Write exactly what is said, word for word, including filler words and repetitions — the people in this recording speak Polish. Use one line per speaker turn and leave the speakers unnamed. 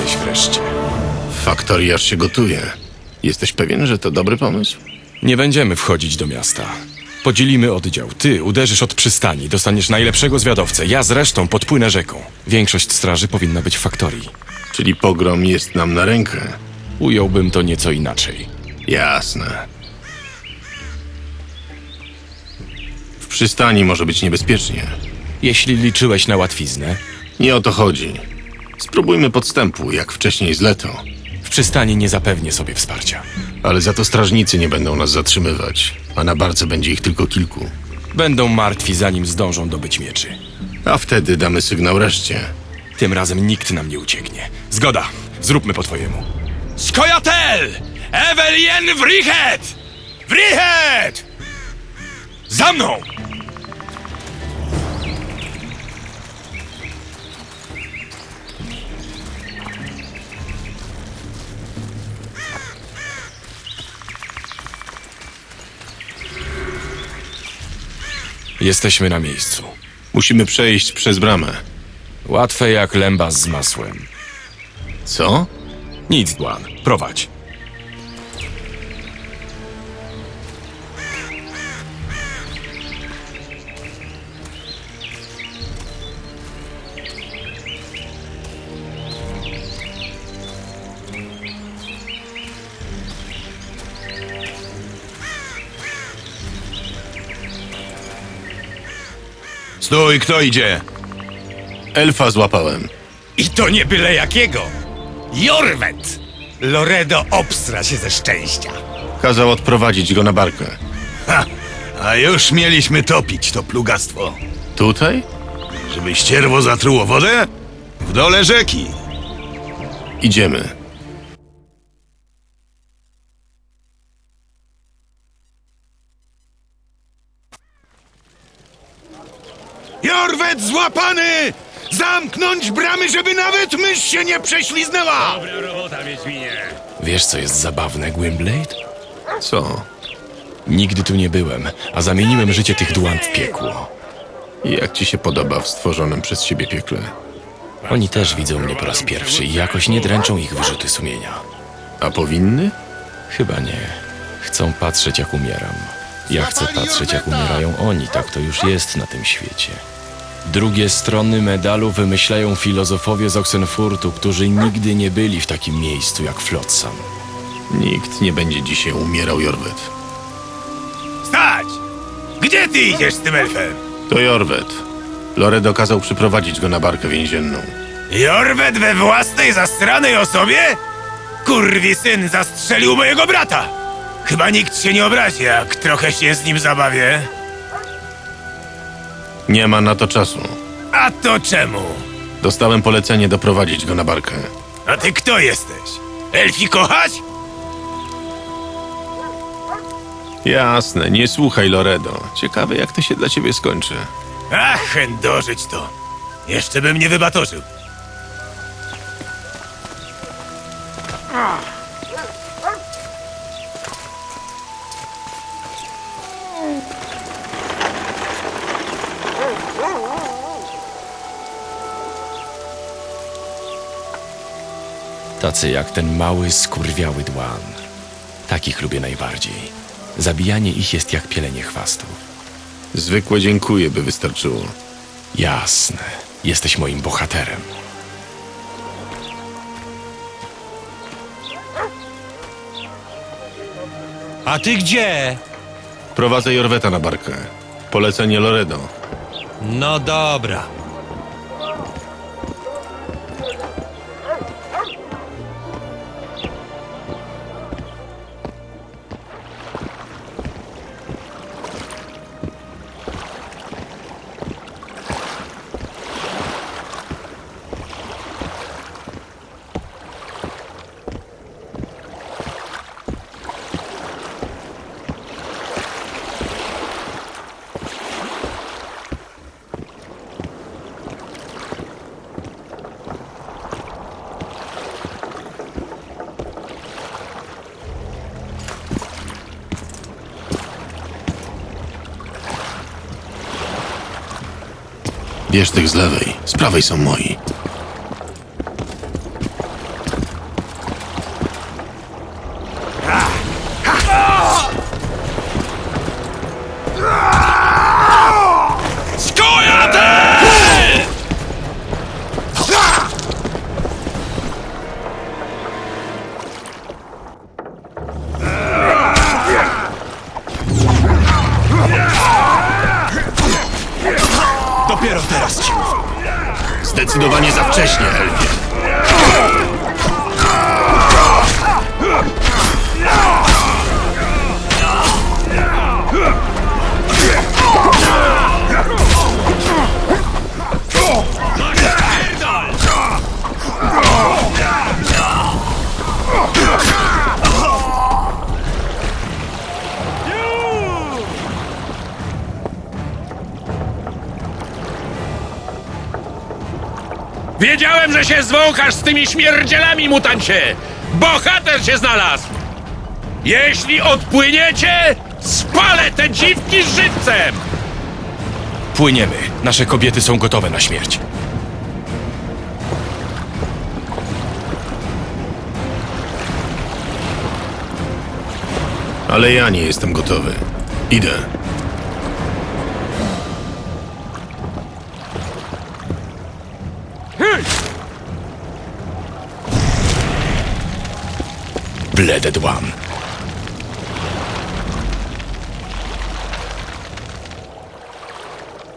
jesteś wreszcie.
Faktorii aż się gotuje. Jesteś pewien, że to dobry pomysł?
Nie będziemy wchodzić do miasta. Podzielimy oddział. Ty uderzysz od przystani, dostaniesz najlepszego zwiadowcę. Ja zresztą podpłynę rzeką. Większość straży powinna być w faktorii.
Czyli pogrom jest nam na rękę.
Ująłbym to nieco inaczej.
Jasne. W przystani może być niebezpiecznie.
Jeśli liczyłeś na łatwiznę,
Nie o to chodzi. Spróbujmy podstępu, jak wcześniej z Leto.
w przystani nie zapewnię sobie wsparcia.
Ale za to strażnicy nie będą nas zatrzymywać, a na barce będzie ich tylko kilku.
Będą martwi, zanim zdążą dobyć mieczy.
A wtedy damy sygnał reszcie.
Tym razem nikt nam nie ucieknie. Zgoda, zróbmy po twojemu. Skojatel! Evelien Wrichet! Wrichet! Za mną! Jesteśmy na miejscu.
Musimy przejść przez bramę.
Łatwe jak lęba z masłem.
Co?
Nic, Dłan. Prowadź.
Stój, kto idzie?
Elfa złapałem.
I to nie byle jakiego. Jorwet! Loredo obsra się ze szczęścia.
Kazał odprowadzić go na barkę.
Ha! A już mieliśmy topić to plugastwo.
Tutaj?
Żeby ścierwo zatruło wodę? W dole rzeki.
Idziemy.
Jorwet złapany! Zamknąć bramy, żeby nawet mysz się nie prześliznęła!
Dobra robota, Wiedźminie.
Wiesz, co jest zabawne, Gwynblade?
Co?
Nigdy tu nie byłem, a zamieniłem życie tych Dłan w piekło.
Jak ci się podoba w stworzonym przez siebie piekle?
Oni też widzą mnie po raz pierwszy i jakoś nie dręczą ich wyrzuty sumienia.
A powinny?
Chyba nie. Chcą patrzeć, jak umieram. Ja chcę patrzeć, jak umierają oni. Tak to już jest na tym świecie. Drugie strony medalu wymyślają filozofowie z Oxenfurtu, którzy nigdy nie byli w takim miejscu jak Flotsam.
Nikt nie będzie dzisiaj umierał, Jorwet.
Stać! Gdzie ty idziesz z tym elfem?
To Jorwet. Loredo kazał przyprowadzić go na barkę więzienną.
Jorwet we własnej zastranej osobie? Kurwi syn zastrzelił mojego brata! Chyba nikt się nie obrazi, jak trochę się z nim zabawię.
Nie ma na to czasu.
A to czemu?
Dostałem polecenie doprowadzić go na barkę.
A ty kto jesteś? Elfi kochać?
Jasne, nie słuchaj Loredo. Ciekawe, jak to się dla ciebie skończy.
Ach, chędożyć to. Jeszcze bym nie wybatorzył.
Tacy jak ten mały, skurwiały Dłan. Takich lubię najbardziej. Zabijanie ich jest jak pielenie chwastów.
Zwykłe dziękuję by wystarczyło.
Jasne. Jesteś moim bohaterem.
A ty gdzie?
Prowadzę Jorweta na barkę. Polecenie Loredo.
No dobra.
Bierz tych z lewej, z prawej są moi.
wiedziałem, że się zwąchasz z tymi śmierdzielami, mutancie! Bohater się znalazł! Jeśli odpłyniecie, spalę te dziwki żywcem!
Płyniemy. Nasze kobiety są gotowe na śmierć.
Ale ja nie jestem gotowy. Idę.
Bleded One.